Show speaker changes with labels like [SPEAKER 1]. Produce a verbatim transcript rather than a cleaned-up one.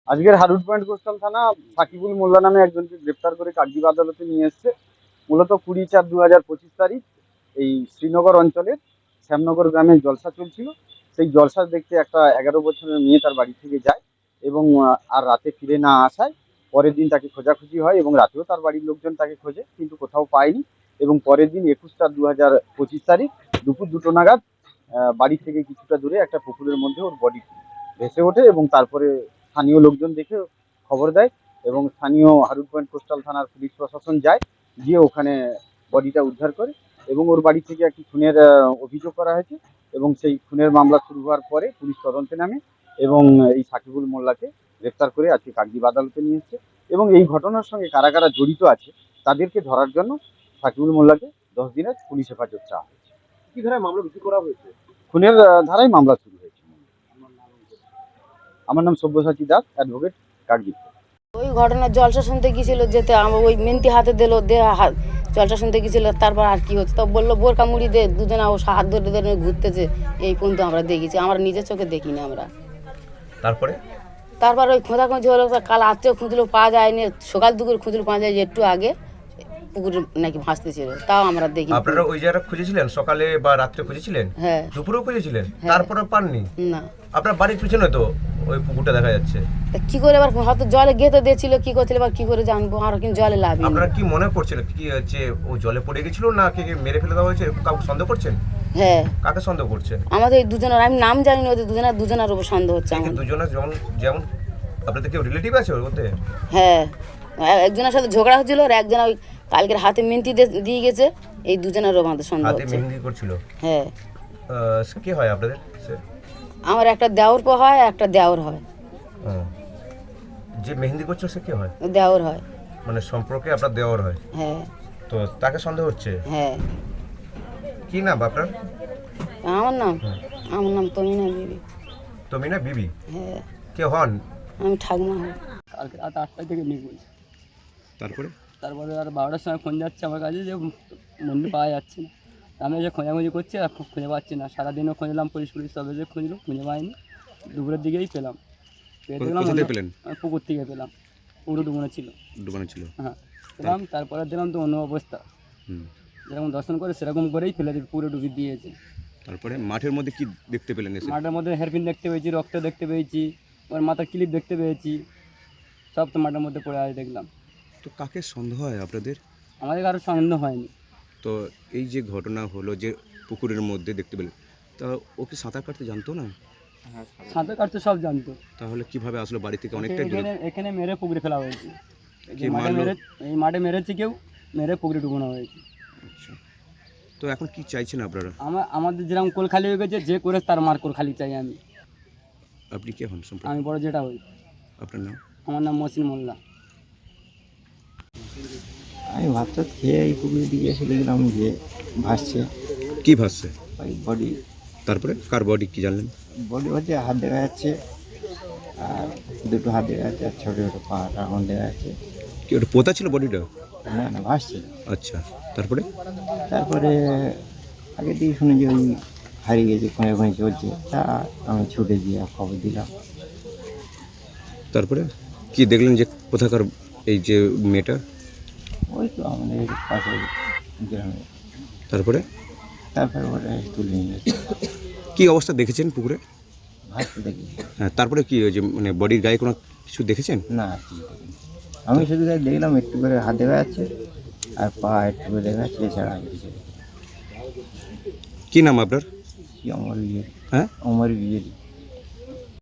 [SPEAKER 1] আজকের হারুট point coastal থানা সাকিবুল মোল্লা নামে একজনকে গ্রেপ্তার করে কাকদ্বীপ আদালতে নিয়ে এসছে। মূলত কুড়ি চার দু হাজার পঁচিশ তারিখ এই শ্রীনগর অঞ্চলের শ্যামনগর গ্রামে জলসা চলছিল। সেই জলসা দেখতে একটা এগারো বছরের মেয়ে তার বাড়ি থেকে যায় এবং আর রাতে ফিরে না আসায় পরের দিন তাকে খোঁজাখুঁজি হয় এবং রাতেও তার বাড়ির লোকজন তাকে খোঁজে, কিন্তু কোথাও পায়নি। এবং পরের দিন একুশ চার দু হাজার পঁচিশ তারিখ দুপুর দুটো নাগাদ বাড়ি থেকে কিছুটা দূরে একটা পুকুরের মধ্যে ওর বডি ভেসে ওঠে এবং তারপরে স্থানীয় লোকজন দেখে খবর দেয় এবং স্থানীয় হারুট পয়েন্ট কোস্টাল থানার পুলিশ প্রশাসন যায়, গিয়ে ওখানে বডিটা উদ্ধার করে এবং ওর বাড়ি থেকে একটি খুনের অভিযোগ করা হয়েছে এবং সেই খুনের মামলা শুরু হওয়ার পরে পুলিশ তদন্তে নামে এবং এই সাকিবুল মোল্লাকে গ্রেপ্তার করে আজকে কাকদ্বীপ আদালতে নিয়ে এসছে এবং এই ঘটনার সঙ্গে কারা কারা জড়িত আছে তাদেরকে ধরার জন্য সাকিবুল মোল্লাকে দশ দিনের পুলিশ হেফাজত চাওয়া হয়েছে।
[SPEAKER 2] কি ধারায় মামলা রুজু করা হয়েছে?
[SPEAKER 1] খুনের ধারায় মামলা শুরু হয়েছে। আমার নাম সব্যসাচী দাস, অ্যাডভোকেট, কাকদ্বীপ।
[SPEAKER 3] ওই ঘটনার জলসা শুনতে গিয়েছিল, যেতে আমার ওই মেন্তি হাতে দিল, দে হাত জলসা শুনতে গিয়েছিল। তারপর আর কি হচ্ছে, তো বললো বোরকা মুড়ি দে, দুজনে ও হাত ধরে ধরে ঘুরতেছে। এই পর্যন্ত আমরা দেখেছি, আমরা নিজের চোখে দেখিনি আমরা।
[SPEAKER 2] তারপরে
[SPEAKER 3] তারপর ওই খোঁজাখুঁজি হলো, কাল রাত্রেও খুঁজলো, পাওয়া যায়নি। সকাল দুপুর খুঁজলো, পাওয়া যায় একটু আগে পুকুরে নাকি ভাসতেছিল, তাও আমরা দেখি।
[SPEAKER 2] আপনারা ওই জায়গা খুঁজেছিলেন সকালে বা রাত্রে খুঁজেছিলেন?
[SPEAKER 3] হ্যাঁ।
[SPEAKER 2] দুপুরেও খুঁজেছিলেন?
[SPEAKER 3] হ্যাঁ।
[SPEAKER 2] তারপরে পাননি?
[SPEAKER 3] না।
[SPEAKER 2] আপনার বাড়ির পিছনে তো ওই পুকুরটা দেখা যাচ্ছে।
[SPEAKER 3] কি করে এবার হয়তো জলে গেঁথে দিয়েছিল, কি করছিল এবার কি করে জানবো, আর কিন্তু জলে লাভ।
[SPEAKER 2] আপনারা কি মনে করছিলেন কি হচ্ছে, ও জলে পড়ে গেছিল না কে মেরে ফেলে দেওয়া হয়েছে, কাউকে সন্দেহ করছেন?
[SPEAKER 3] হ্যাঁ।
[SPEAKER 2] কাকে সন্দেহ করছেন?
[SPEAKER 3] আমাদের এই দুজনের, আমি নাম জানি না, ওদের দুজনের দুজনের উপর সন্দেহ হচ্ছে আমার।
[SPEAKER 2] দুজনের যেমন যেমন আপনাদের কেউ রিলেটিভ আছে ওর মধ্যে?
[SPEAKER 3] হ্যাঁ, একজনের সাথে ঝগড়া হচ্ছিল আর একজন ওই কালকের হাতে মেহেন্দি দিয়ে গেছে, এই দুজনেরও আমাদের সন্দেহ
[SPEAKER 2] হাতে
[SPEAKER 3] হচ্ছে।
[SPEAKER 2] মেহেন্দি করছিল?
[SPEAKER 3] হ্যাঁ।
[SPEAKER 2] কে হয় আপনাদের?
[SPEAKER 3] আমার একটা দেওর পো হয়, একটা দেওর হয়।
[SPEAKER 2] যে মেহেন্দি করছে সে কে হয়?
[SPEAKER 3] দেওর হয়।
[SPEAKER 2] মানে সম্পর্কে আপনার দেওর হয়?
[SPEAKER 3] হ্যাঁ।
[SPEAKER 2] তো তাকে সন্দেহ হচ্ছে?
[SPEAKER 3] হ্যাঁ।
[SPEAKER 2] কি নাম আপনার?
[SPEAKER 3] আমার নাম আমার নাম তমিনা বিবি।
[SPEAKER 2] তমিনা বিবি?
[SPEAKER 3] হ্যাঁ।
[SPEAKER 2] কে হন?
[SPEAKER 3] আমি ঠাকুমা হই।
[SPEAKER 4] কালকে রাত আটটা থেকে নিখোঁজ।
[SPEAKER 2] তারপরে
[SPEAKER 4] তারপরে আর বারোটার সময় ফোন যাচ্ছে আমার কাছে যে মন্দির পাওয়া যাচ্ছে না। আমি যে খোঁজাখুঁজি করছি আর খুঁজে পাচ্ছি না, সারাদিনও খুঁজলাম, পুলিশ পুলিশ সব এসে খুঁজলো, খুঁজে পাইনি। দুপুরের দিকেই পেলাম, পেয়ে দেখলাম পুকুর থেকে পেলাম, পুরো ডুবানো ছিল। ডুবানো ছিল? হ্যাঁ, পেলাম। তারপরে দিলাম তো অন্য অবস্থা, যেরকম দর্শন করে সেরকম করেই ফেলে পুরো ডুবি দিয়েছে।
[SPEAKER 2] তারপরে মাঠের মধ্যে কি দেখতে পেলেন?
[SPEAKER 4] মাঠের মধ্যে হেয়ারপিন দেখতে পেয়েছি, রক্ত দেখতে পেয়েছি, ওর মাথার ক্লিপ দেখতে পেয়েছি, সব তো মাঠের মধ্যে পড়ে আছে দেখলাম।
[SPEAKER 2] তো কাকে সন্দেহ হয় আপনাদের?
[SPEAKER 4] আমাদের কারো সন্দেহ হয়নি।
[SPEAKER 2] তো এই যে ঘটনা হলো যে পুকুরের মধ্যে দেখতে পেলেন, তা ও কি সাঁতার কাটতে জানতো না?
[SPEAKER 4] সাঁতার কাটতে সব জানতো।
[SPEAKER 2] তাহলে কিভাবে আসলো বাড়ি থেকে? অনেকটা
[SPEAKER 4] এখানে এখানে মেরে পুকুরে ফেলা হয়েছে। এই মাঠে মেরে এই মাঠে মেরেছে কেউ, মেরে পুকুরে ডুবানো হয়েছে।
[SPEAKER 2] আচ্ছা, তো এখন কি চাইছেন আপনারা?
[SPEAKER 4] আমার আমাদের যেরকম কোল খালি হয়ে গেছে, যে করে তার মার কোল খালি চাই আমি।
[SPEAKER 2] আপনি কে হন?
[SPEAKER 4] আমি বড় যেটা হই।
[SPEAKER 2] আপনার নাম?
[SPEAKER 4] আমার নাম মহসিন মোল্লা।
[SPEAKER 5] আমি ভাত টাত খেয়ে এই পুকুরের দিকে এসে দেখলাম যে ভাসছে।
[SPEAKER 2] কি ভাসছে?
[SPEAKER 5] ওই বডি।
[SPEAKER 2] তারপরে কার বডি কি জানলেন?
[SPEAKER 5] বডি হচ্ছে হাত দেখা যাচ্ছে, আর দুটো হাত দেখা যাচ্ছে, আর ছোটো ছোটো পাটা আমার দেখা যাচ্ছে।
[SPEAKER 2] কি ওটা পোতা ছিল বডিটা?
[SPEAKER 5] না না, ভাসছে।
[SPEAKER 2] আচ্ছা, তারপরে?
[SPEAKER 5] তারপরে আগে দিয়ে শুনে যে ওই হারিয়ে গেছে, খুঁজে খুঁজে চলছে, তা আমি ছুটে দিয়ে খবর দিলাম।
[SPEAKER 2] তারপরে কি দেখলেন যে কোথাকার এই যে মেয়েটা?
[SPEAKER 5] ওই তো আমাদের পাশে গ্রামে।
[SPEAKER 2] তারপরে?
[SPEAKER 5] তারপরে ওটা তুলে নিয়ে গেছে।
[SPEAKER 2] কী অবস্থা দেখেছেন পুকুরে?
[SPEAKER 5] ভাসতে দেখি।
[SPEAKER 2] হ্যাঁ, তারপরে কি ওই যে মানে বডির গায়ে কোনো কিছু দেখেছেন?
[SPEAKER 5] না, আমি শুধু দেখলাম একটু করে হাত দেখা যাচ্ছে আর পা একটু করে দেখা যাচ্ছে, এছাড়া আমি কিছু দেখি।
[SPEAKER 2] কী নাম আপনার?
[SPEAKER 5] কি অমর বিজেপি?
[SPEAKER 2] হ্যাঁ,
[SPEAKER 5] অমর বিজেপি।